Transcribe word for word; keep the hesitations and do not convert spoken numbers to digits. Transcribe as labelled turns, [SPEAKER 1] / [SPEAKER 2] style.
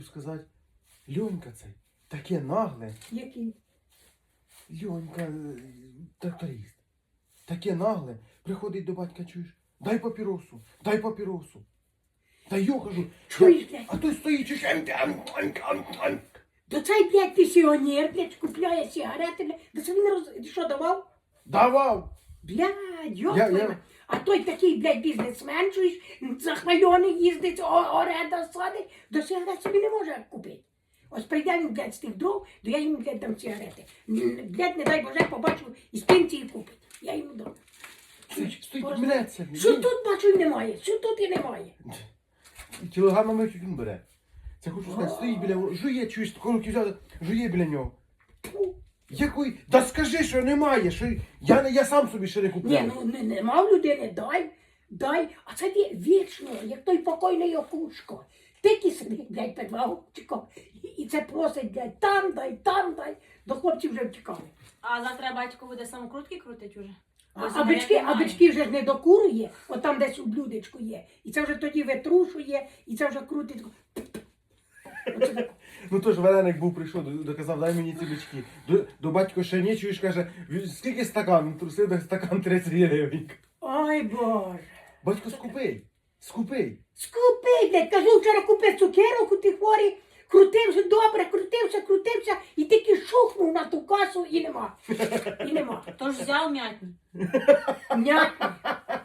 [SPEAKER 1] сказати, Льонька цей, таке нагле.
[SPEAKER 2] Який?
[SPEAKER 1] Льонька, е, тракторист. Таке нагле. Приходить до батька, чуєш, дай папіросу, дай папіросу. Та йо, кажу,
[SPEAKER 2] Чуєш,
[SPEAKER 1] я-
[SPEAKER 2] блядь?
[SPEAKER 1] а той стоїть, чуєш, ем, ем, ем, ем, ем.
[SPEAKER 2] То цей, блядь, пенсіонер, блядь, купляє сигарети, блядь. Да це він роз... Ти що, давав?
[SPEAKER 1] Давав.
[SPEAKER 2] Блядь,
[SPEAKER 1] Я-
[SPEAKER 2] йоп,
[SPEAKER 1] я-
[SPEAKER 2] а той такий, блядь, бізнесмен, чуєш, захвальоний їздить, о- оренда садить, до сигарет собі не може купити. Ось прийде він, блядь, з тих дров, то я йому, блядь, дам сигарети. М, Блядь, не дай Боже, побачу, із пенсії купить. Я йому дам.
[SPEAKER 1] Стоїть, стоїть,
[SPEAKER 2] Просто-
[SPEAKER 1] мнеться.
[SPEAKER 2] Що тут бачу і немає, що тут і немає.
[SPEAKER 1] Кілограмами чуть він бере. Це хочу сказати, стоїть біля нього, жує, чуєш, таку руки взяли, жує біля нього.
[SPEAKER 2] Фу.
[SPEAKER 1] Який? Да скажи, що немає, що я, не- я сам собі ще не
[SPEAKER 2] Ні,
[SPEAKER 1] купляв.
[SPEAKER 2] ну не, нема в людини, дай, дай. А це ві- вічно, як той покойний Окушко. Тільки сидить, блядь, під вагончиком. І, і це просить, блядь, там дай, там дай. До хлопців вже втікали.
[SPEAKER 3] А завтра батько буде самокрутки крутить уже?
[SPEAKER 2] А,
[SPEAKER 3] Бо
[SPEAKER 2] а,
[SPEAKER 3] сигарет
[SPEAKER 2] бички, а
[SPEAKER 3] немає.
[SPEAKER 2] бички вже ж не докурує, от там десь у блюдечку є. І це вже тоді витрушує, і це вже крутить. Оце так.
[SPEAKER 1] Ну то ж вареник був, прийшов, до- доказав, дай мені ці бички. До, до батько ще ні, чуєш, каже, «Ві- скільки стакан? Він трусив, так стакан тридцять гривень.
[SPEAKER 2] Ой, Боже.
[SPEAKER 1] Батько, скупий, скупий.
[SPEAKER 2] Скупи, блядь, кажу, вчора купив цукерок у тих хворі, крутився добре, крутився, крутився, і тільки шухнув на ту касу і нема. І нема.
[SPEAKER 3] Тож взяв м'ятні.
[SPEAKER 2] М'ятно.